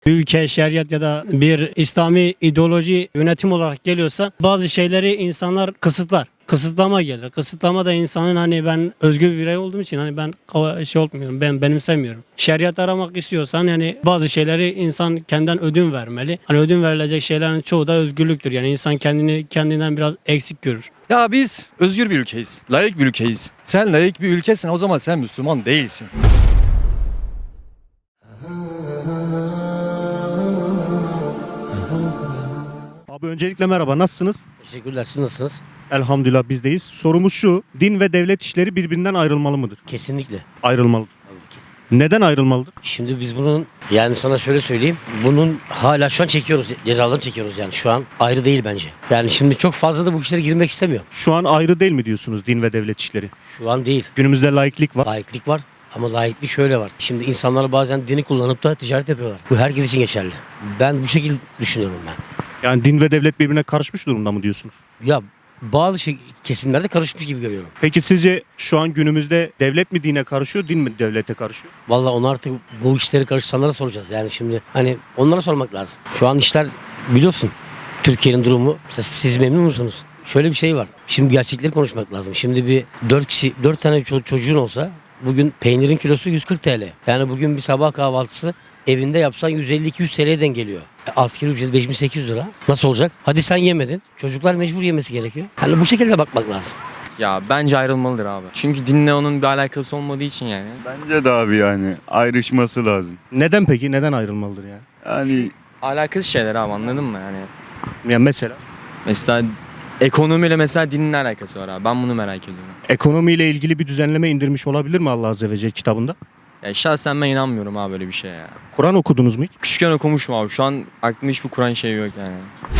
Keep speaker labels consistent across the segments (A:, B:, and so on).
A: Bir ülke şeriat ya da bir İslami ideoloji yönetim olarak geliyorsa bazı şeyleri insanlar kısıtlar. Kısıtlama gelir. Kısıtlama da insanın hani ben özgür bir birey olduğum için hani ben şey olmuyorum. Ben benimsemiyorum. Şeriat aramak istiyorsan yani bazı şeyleri insan kendinden ödün vermeli. Hani ödün verilecek şeylerin çoğu da özgürlüktür. Yani insan kendinden biraz eksik görür.
B: Ya biz özgür bir ülkeyiz. Layık bir ülkeyiz. Sen layık bir ülkesin, o zaman sen Müslüman değilsin.
C: Abi öncelikle merhaba, nasılsınız?
D: Teşekkürler. Siz nasılsınız?
C: Elhamdülillah bizdeyiz. Sorumuz şu, din ve devlet işleri birbirinden ayrılmalı mıdır?
D: Kesinlikle.
C: Ayrılmalı.
D: Tabii, kesin.
C: Neden ayrılmalıdır?
D: Şimdi biz bunun yani sana şöyle söyleyeyim. Bunun hala şu an çekiyoruz. Cezalarını çekiyoruz yani. Şu an ayrı değil bence. Yani şimdi çok fazla da bu işlere girmek istemiyorum.
C: Şu an ayrı değil mi diyorsunuz din ve devlet işleri?
D: Şu an değil.
C: Günümüzde laiklik var.
D: Laiklik var. Ama laiklik şöyle var. Şimdi insanlar bazen dini kullanıp da ticaret yapıyorlar. Bu herkes için geçerli. Ben bu şekilde düşünüyorum ben.
C: Yani din ve devlet birbirine karışmış durumda mı diyorsunuz?
D: Ya bazı kesimlerde karışmış gibi görüyorum.
C: Peki sizce şu an günümüzde devlet mi dine karışıyor, din mi devlete karışıyor?
D: Vallahi onu artık bu işleri karışanlara soracağız. Yani şimdi hani onlara sormak lazım. Şu an işler biliyorsun Türkiye'nin durumu. Mesela siz memnun musunuz? Şöyle bir şey var. Şimdi gerçekleri konuşmak lazım. Şimdi bir 4 tane çocuğun olsa bugün peynirin kilosu 140 TL. Yani bugün bir sabah kahvaltısı evinde yapsan 150-200 TL'den geliyor. Asgari ücret 5800 lira. Nasıl olacak? Hadi sen yemedin. Çocuklar mecbur yemesi gerekiyor. Hani bu şekilde bakmak lazım.
E: Ya bence ayrılmalıdır abi. Çünkü dinle onun bir alakası olmadığı için yani.
F: Bence de abi yani ayrışması lazım.
C: Neden peki? Neden ayrılmalıdır yani?
F: Yani
E: Alakasız şeyler abi, anladın mı yani?
C: Yani
E: Mesela ekonomiyle mesela dinin ne alakası var abi? Ben bunu merak ediyorum.
C: ekonomiyle ilgili bir düzenleme indirmiş olabilir mi Allah Azze ve Celle kitabında?
E: Ya şahsen ben inanmıyorum abi böyle bir şeye ya.
C: Kur'an okudunuz mu hiç?
E: Küçükken okumuşum abi. Şu an aklımda hiçbir Kur'an şeyi yok yani.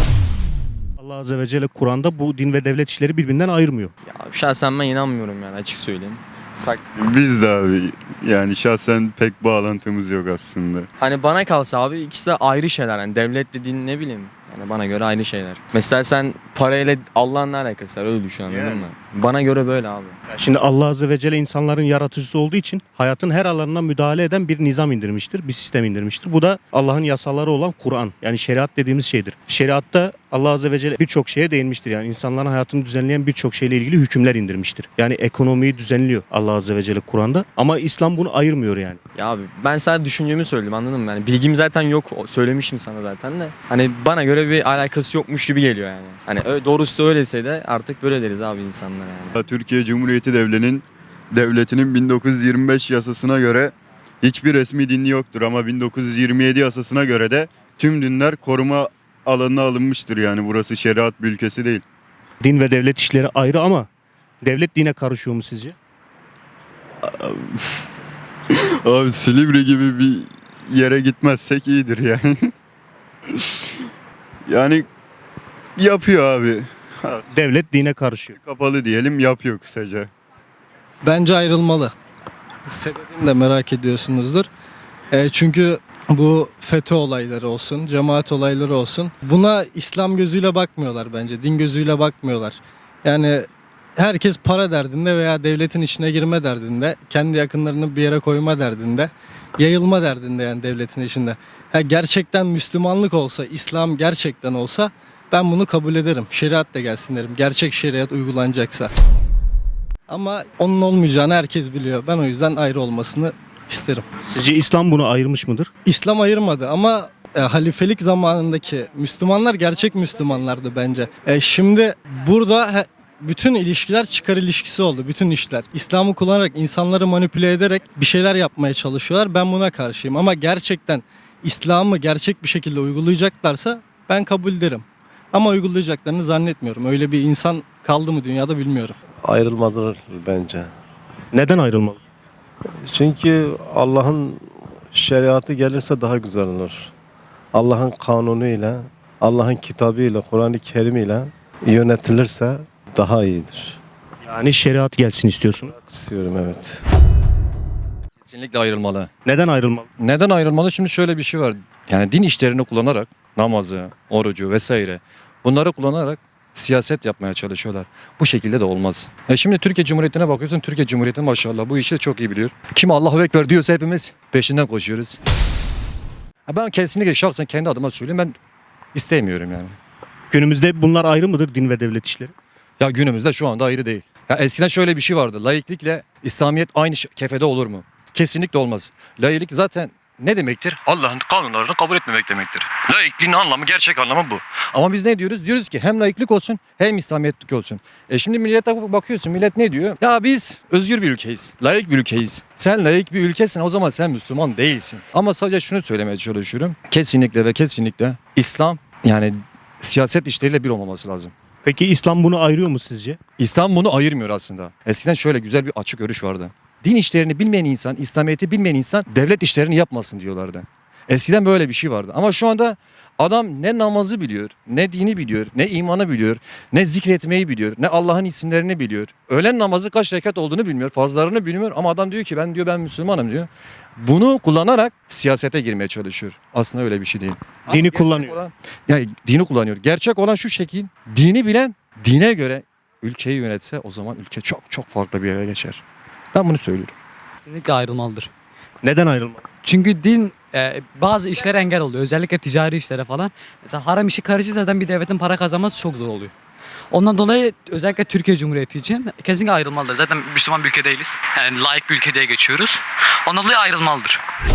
C: Allah Azze ve Celle Kur'an'da bu din ve devlet işleri birbirinden ayırmıyor.
E: Ya şahsen ben inanmıyorum yani, açık söyleyeyim.
F: biz de abi yani şahsen pek bağlantımız yok aslında.
E: Hani bana kalsa abi ikisi de ayrı şeyler. Yani devletle din ne bileyim. Yani bana göre ayrı şeyler. Mesela sen parayla Allah'ın ne alakası var, öyle düşün, anladın mı? Bana göre böyle abi.
C: Şimdi Allah Azze ve Celle insanların yaratıcısı olduğu için hayatın her alanına müdahale eden bir nizam indirmiştir, bir sistem indirmiştir. Bu da Allah'ın yasaları olan Kur'an, yani şeriat dediğimiz şeydir. Şeriatta Allah Azze ve Celle birçok şeye değinmiştir. Yani insanların hayatını düzenleyen birçok şeyle ilgili hükümler indirmiştir. Yani ekonomiyi düzenliyor Allah Azze ve Celle Kur'an'da, ama İslam bunu ayırmıyor yani.
E: Ya abi ben sadece düşüncemi söyledim, anladın mı? Yani bilgim zaten yok, söylemişim sana zaten de. Hani bana göre bir alakası yokmuş gibi geliyor yani. Hani doğrusu da öyleyse de artık böyle deriz abi insanlara yani.
F: Türkiye Cumhuriyeti Devleti'nin 1925 yasasına göre hiçbir resmi dini yoktur ama 1927 yasasına göre de tüm dinler koruma alanına alınmıştır, yani burası şeriat bir ülkesi değil.
C: Din ve devlet işleri ayrı ama devlet dine karışıyor mu sizce?
F: Abi Silivri gibi bir yere gitmezsek iyidir yani. Yani yapıyor abi.
C: Devlet dine karışıyor.
F: Kapalı diyelim, yapıyor kısaca.
G: Bence ayrılmalı. Sebebini de merak ediyorsunuzdur. Çünkü bu FETÖ olayları olsun, cemaat olayları olsun, buna İslam gözüyle bakmıyorlar bence, din gözüyle bakmıyorlar. Yani herkes para derdinde veya devletin içine girme derdinde, kendi yakınlarını bir yere koyma derdinde, yayılma derdinde yani devletin içinde. Gerçekten Müslümanlık olsa, İslam gerçekten olsa ben bunu kabul ederim. Şeriat da gelsin derim. Gerçek şeriat uygulanacaksa. Ama onun olmayacağını herkes biliyor. Ben o yüzden ayrı olmasını isterim.
C: Sizce İslam bunu ayırmış mıdır?
G: İslam ayırmadı ama halifelik zamanındaki Müslümanlar gerçek Müslümanlardı bence. Şimdi burada bütün ilişkiler çıkar ilişkisi oldu. Bütün işler. İslam'ı kullanarak, insanları manipüle ederek bir şeyler yapmaya çalışıyorlar. Ben buna karşıyım. Ama gerçekten İslam'ı gerçek bir şekilde uygulayacaklarsa ben kabul ederim. Ama uygulayacaklarını zannetmiyorum. Öyle bir insan kaldı mı dünyada bilmiyorum.
H: Ayrılmalıdır bence.
C: Neden ayrılmalı?
H: Çünkü Allah'ın şeriatı gelirse daha güzel olur. Allah'ın kanunuyla, Allah'ın kitabıyla, Kur'an-ı Kerim'iyle yönetilirse daha iyidir.
C: Yani şeriat gelsin istiyorsun.
H: İstiyorum, evet.
B: Kesinlikle ayrılmalı.
C: Neden ayrılmalı?
B: Neden ayrılmalı? Şimdi şöyle bir şey var. Yani din işlerini kullanarak namazı, orucu vesaire bunları kullanarak siyaset yapmaya çalışıyorlar. Bu şekilde de olmaz. Şimdi Türkiye Cumhuriyeti'ne bakıyorsun. Türkiye Cumhuriyeti maşallah bu işi çok iyi biliyor. Kim Allahu Ekber diyorsa hepimiz peşinden koşuyoruz. Ben kesinlikle şahsen kendi adıma söyleyeyim, ben istemiyorum yani.
C: Günümüzde bunlar ayrı mıdır, din ve devlet işleri?
B: Ya günümüzde şu anda ayrı değil. Ya eskiden şöyle bir şey vardı. Laiklikle İslamiyet aynı kefede olur mu? Kesinlikle olmaz. Laiklik zaten ne demektir? Allah'ın kanunlarını kabul etmemek demektir. Laikliğin anlamı, gerçek anlamı bu. Ama biz ne diyoruz? Diyoruz ki hem laiklik olsun hem İslamiyetlik olsun. Şimdi millete bakıyorsun, millet ne diyor? Ya biz özgür bir ülkeyiz. Laik bir ülkeyiz. Sen laik bir ülkesin, o zaman sen Müslüman değilsin. Ama sadece şunu söylemeye çalışıyorum. Kesinlikle ve kesinlikle İslam yani siyaset işleriyle bir olmaması lazım.
C: Peki İslam bunu ayırıyor mu sizce?
B: İslam bunu ayırmıyor aslında. Eskiden şöyle güzel bir açık görüş vardı. Din işlerini bilmeyen insan, İslamiyet'i bilmeyen insan devlet işlerini yapmasın diyorlardı. Eskiden böyle bir şey vardı. Ama şu anda adam ne namazı biliyor, ne dini biliyor, ne imanı biliyor, ne zikretmeyi biliyor, ne Allah'ın isimlerini biliyor. Öğlen namazı kaç rekat olduğunu bilmiyor, farzlarını bilmiyor ama adam diyor ki ben Müslümanım diyor. Bunu kullanarak siyasete girmeye çalışıyor. Aslında öyle bir şey değil. Ama
C: Dini
B: gerçek
C: kullanıyor.
B: Yani dini kullanıyor. Gerçek olan şu şekil. Dini bilen dine göre ülkeyi yönetse o zaman ülke çok çok farklı bir yere geçer. Ben bunu söylüyorum.
I: Kesinlikle ayrılmalıdır.
C: Neden ayrılmalı?
I: Çünkü din bazı işlere engel oluyor. Özellikle ticari işlere falan. Mesela haram işi karışırsa zaten bir devletin para kazanması çok zor oluyor. Ondan dolayı özellikle Türkiye Cumhuriyeti için kesinlikle ayrılmalıdır. Zaten Müslüman bir ülke değiliz. Yani laik bir ülke diye geçiyoruz. Ondan dolayı ayrılmalıdır.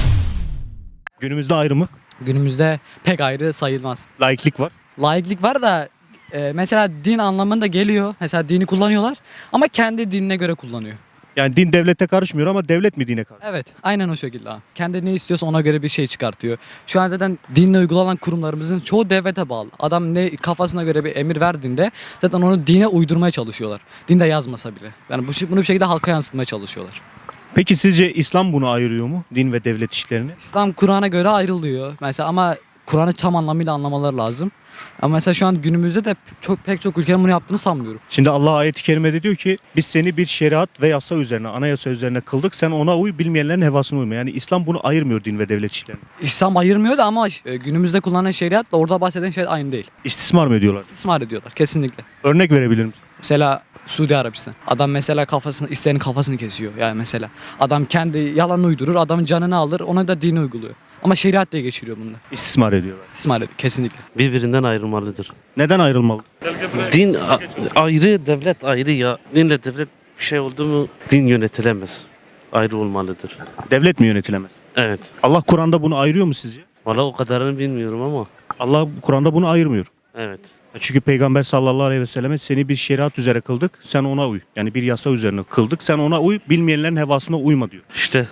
C: Günümüzde ayrı mı?
I: Günümüzde pek ayrı sayılmaz.
C: Laiklik var.
I: Laiklik var da mesela din anlamında geliyor. Mesela dini kullanıyorlar ama kendi dinine göre kullanıyor.
C: Yani din devlete karışmıyor ama devlet mi dine karışıyor?
I: Evet, aynen o şekilde. Kendi ne istiyorsa ona göre bir şey çıkartıyor. Şu an zaten dinle uygulanan kurumlarımızın çoğu devlete bağlı. Adam ne kafasına göre bir emir verdiğinde zaten onu dine uydurmaya çalışıyorlar. Dinde yazmasa bile. Yani bunu bir şekilde halka yansıtmaya çalışıyorlar.
C: Peki sizce İslam bunu ayırıyor mu? Din ve devlet işlerini?
I: İslam Kur'an'a göre ayrılıyor. Mesela ama Kur'an'ı tam anlamıyla anlamaları lazım. Ama mesela şu an günümüzde de pek çok ülkenin bunu yaptığını sanmıyorum.
C: Şimdi Allah ayet-i kerimede diyor ki biz seni bir şeriat ve yasa üzerine, anayasa üzerine kıldık. Sen ona uy, bilmeyenlerin hevasına uyma. Yani İslam bunu ayırmıyor din ve devlet işlerini.
I: İslam ayırmıyor da ama günümüzde kullanılan şeriatla orada bahseden şey aynı değil.
C: İstismar mı ediyorlar?
I: İstismar ediyorlar kesinlikle.
C: Örnek verebilir misin?
I: Mesela Suudi Arabistan. Adam mesela isteyenin kafasını kesiyor. Yani mesela adam kendi yalanını uydurur, adamın canını alır, ona da dini uyguluyor. Ama şeriat diye geçiriyor bunu da.
C: İstismar ediyorlar.
I: İstismar ediyor kesinlikle.
J: Birbirinden ayrılmalıdır.
C: Neden ayrılmalı?
J: Din ayrı, devlet ayrı ya. Dinle devlet bir şey oldu mu din yönetilemez. Ayrı olmalıdır.
C: Devlet mi yönetilemez?
J: Evet.
C: Allah Kur'an'da bunu ayırıyor mu sizce?
J: Valla o kadarını bilmiyorum ama
C: Allah Kur'an'da bunu ayırmıyor.
J: evet.
C: Çünkü Peygamber sallallahu aleyhi ve selleme seni bir şeriat üzere kıldık, sen ona uy. Yani bir yasa üzerine kıldık, sen ona uy, bilmeyenlerin hevasına uyma diyor.
J: İşte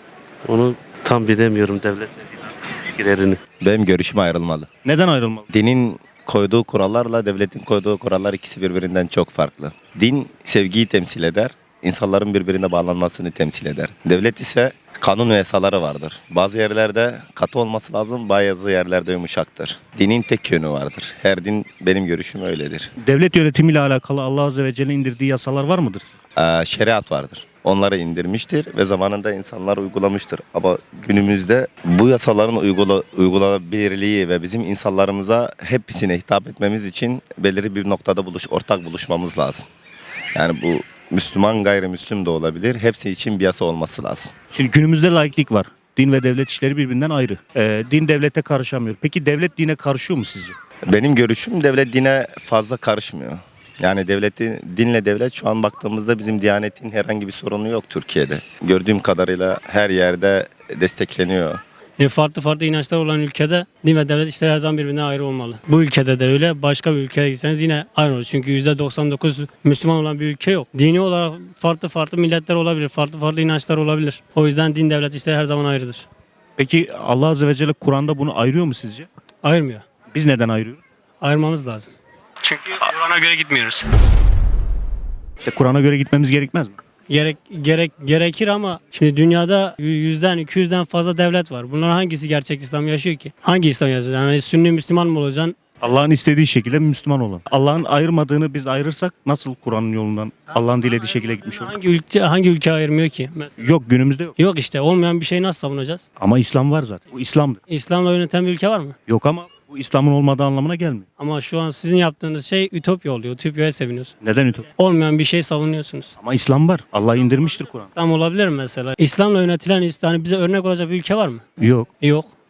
J: onu tam bilemiyorum devlet ilişkilerini.
K: Benim görüşüm ayrılmalı.
C: Neden ayrılmalı?
K: Dinin koyduğu kurallarla devletin koyduğu kurallar ikisi birbirinden çok farklı. Din sevgiyi temsil eder, insanların birbirine bağlanmasını temsil eder. Devlet ise kanun ve yasaları vardır. Bazı yerlerde katı olması lazım, bazı yerlerde yumuşaktır. Dinin tek yönü vardır. Her din benim görüşüm öyledir.
C: Devlet yönetimiyle alakalı Allah Azze ve Celle'nin indirdiği yasalar var mıdır?
K: Şeriat vardır. Onları indirmiştir ve zamanında insanlar uygulamıştır. Ama günümüzde bu yasaların uygulanabilirliği ve bizim insanlarımıza hepsine hitap etmemiz için belirli bir noktada ortak buluşmamız lazım. Yani bu Müslüman gayrimüslim de olabilir. Hepsi için bir yasa olması lazım.
C: Şimdi günümüzde laiklik var. Din ve devlet işleri birbirinden ayrı. Din devlete karışamıyor. Peki devlet dine karışıyor mu sizce?
K: Benim görüşüm devlet dine fazla karışmıyor. Yani dinle devlet şu an baktığımızda bizim Diyanet'in herhangi bir sorunu yok Türkiye'de. Gördüğüm kadarıyla her yerde destekleniyor.
A: Farklı farklı inançlar olan ülkede din ve devlet işleri her zaman birbirinden ayrı olmalı. Bu ülkede de öyle, başka bir ülkeye gitseniz yine aynı olur. Çünkü %99 Müslüman olan bir ülke yok. Dini olarak farklı farklı milletler olabilir, farklı farklı inançlar olabilir. O yüzden din devlet işleri her zaman ayrıdır.
C: Peki Allah Azze ve Celle Kur'an'da bunu ayırıyor mu sizce?
A: Ayırmıyor.
C: Biz neden ayırıyoruz?
A: Ayırmamız lazım. Çünkü Kur'an'a göre gitmiyoruz.
C: İşte Kur'an'a göre gitmemiz gerekmez mi?
A: Gerekir ama şimdi dünyada 100'den 200'den fazla devlet var. Bunların hangisi gerçek İslam yaşıyor ki? Hangi İslam yaşıyor? Yani Sünni Müslüman mı olacaksın?
C: Allah'ın istediği şekilde Müslüman olan. Allah'ın ayırmadığını biz ayırırsak nasıl Kur'an'ın yolundan Allah'ın dilediği şekilde gitmiş olur?
A: Hangi ülke ayırmıyor ki? Mesela.
C: Yok, günümüzde yok.
A: Yok işte, olmayan bir şeyi nasıl savunacağız?
C: Ama İslam var zaten. Bu İslam'dır.
A: İslam'la yöneten bir ülke var mı?
C: Yok ama bu İslam'ın olmadığı anlamına gelmiyor.
A: Ama şu an sizin yaptığınız şey ütopya oluyor. Ütopyaya seviniyorsunuz.
C: Neden ütopya?
A: Olmayan bir şey savunuyorsunuz.
C: Ama İslam var. Allah indirmiştir Kur'an.
A: İslam olabilir mi mesela? İslam'la yönetilen, yani bize örnek olacak bir ülke var mı?
C: Yok.
A: Yok.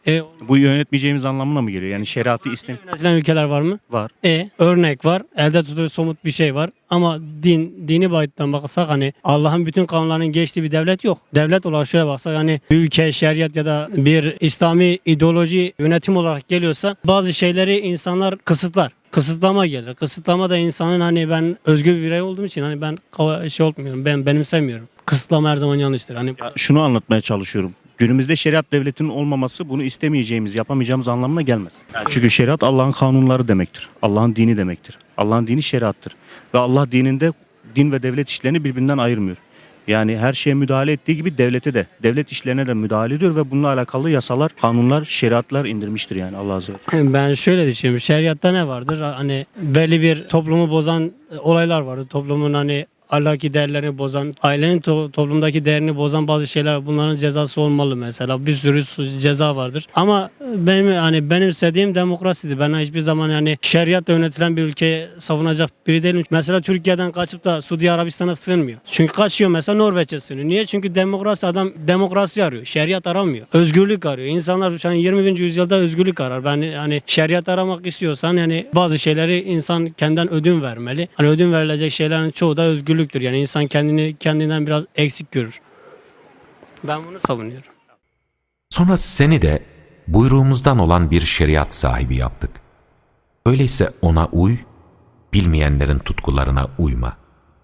C: Bu yönetmeyeceğimiz anlamına mı geliyor? Yani şeriatı
A: Yönetilen ülkeler var mı?
C: var.
A: Örnek var. Elde tutulur somut bir şey var. Ama dini boyuttan baksak hani Allah'ın bütün kanunlarının geçtiği bir devlet yok. Devlet olarak şöyle baksak hani bir ülke şeriat ya da bir İslami ideoloji yönetim olarak geliyorsa bazı şeyleri insanlar kısıtlar. Kısıtlama gelir. Kısıtlama da insanın hani ben özgür bir birey olduğum için hani ben şey olmuyorum. Ben benimsemiyorum. Kısıtlama her zaman yanlıştır. Hani
C: Şunu anlatmaya çalışıyorum. Günümüzde şeriat devletinin olmaması bunu istemeyeceğimiz, yapamayacağımız anlamına gelmez. Çünkü şeriat Allah'ın kanunları demektir. Allah'ın dini demektir. Allah'ın dini şeriattır. Ve Allah dininde din ve devlet işlerini birbirinden ayırmıyor. Yani her şeye müdahale ettiği gibi devlete de, devlet işlerine de müdahale ediyor ve bununla alakalı yasalar, kanunlar, şeriatlar indirmiştir yani Allah azze ve celle.
A: ben şöyle düşünüyorum. Şeriatta ne vardır? Hani belli bir toplumu bozan olaylar vardır. Toplumun hani ahlaki değerlerini bozan, ailenin toplumdaki değerini bozan bazı şeyler, bunların cezası olmalı mesela. Bir sürü ceza vardır. Ama benim istediğim demokrasidir. Ben hiçbir zaman yani şeriatla yönetilen bir ülkeyi savunacak biri değilim. Mesela Türkiye'den kaçıp da Suudi Arabistan'a sığınmıyor. Çünkü kaçıyor mesela Norveç'e sığınıyor. Niye? Çünkü adam demokrasi arıyor. Şeriat aramıyor. Özgürlük arıyor. İnsanlar şu an 20. yüzyılda özgürlük arar. Ben hani şeriat aramak istiyorsan yani bazı şeyleri insan kendinden ödün vermeli. Hani ödün verilecek şeylerin çoğu da özgürlüktür. Yani insan kendinden biraz eksik görür. Ben bunu savunuyorum.
L: Sonra seni de buyruğumuzdan olan bir şeriat sahibi yaptık. Öyleyse ona uy, bilmeyenlerin tutkularına uyma.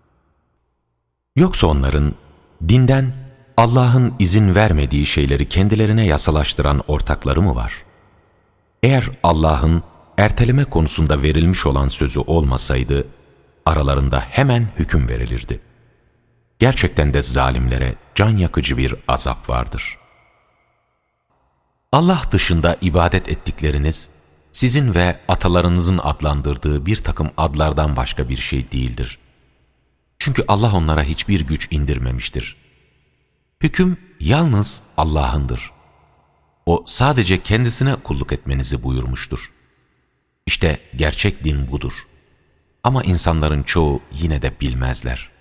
L: Yoksa onların dinden Allah'ın izin vermediği şeyleri kendilerine yasalaştıran ortakları mı var? Eğer Allah'ın erteleme konusunda verilmiş olan sözü olmasaydı, aralarında hemen hüküm verilirdi. Gerçekten de zalimlere can yakıcı bir azap vardır. Allah dışında ibadet ettikleriniz, sizin ve atalarınızın adlandırdığı bir takım adlardan başka bir şey değildir. Çünkü Allah onlara hiçbir güç indirmemiştir. Hüküm yalnız Allah'ındır. O sadece kendisine kulluk etmenizi buyurmuştur. İşte gerçek din budur. Ama insanların çoğu yine de bilmezler.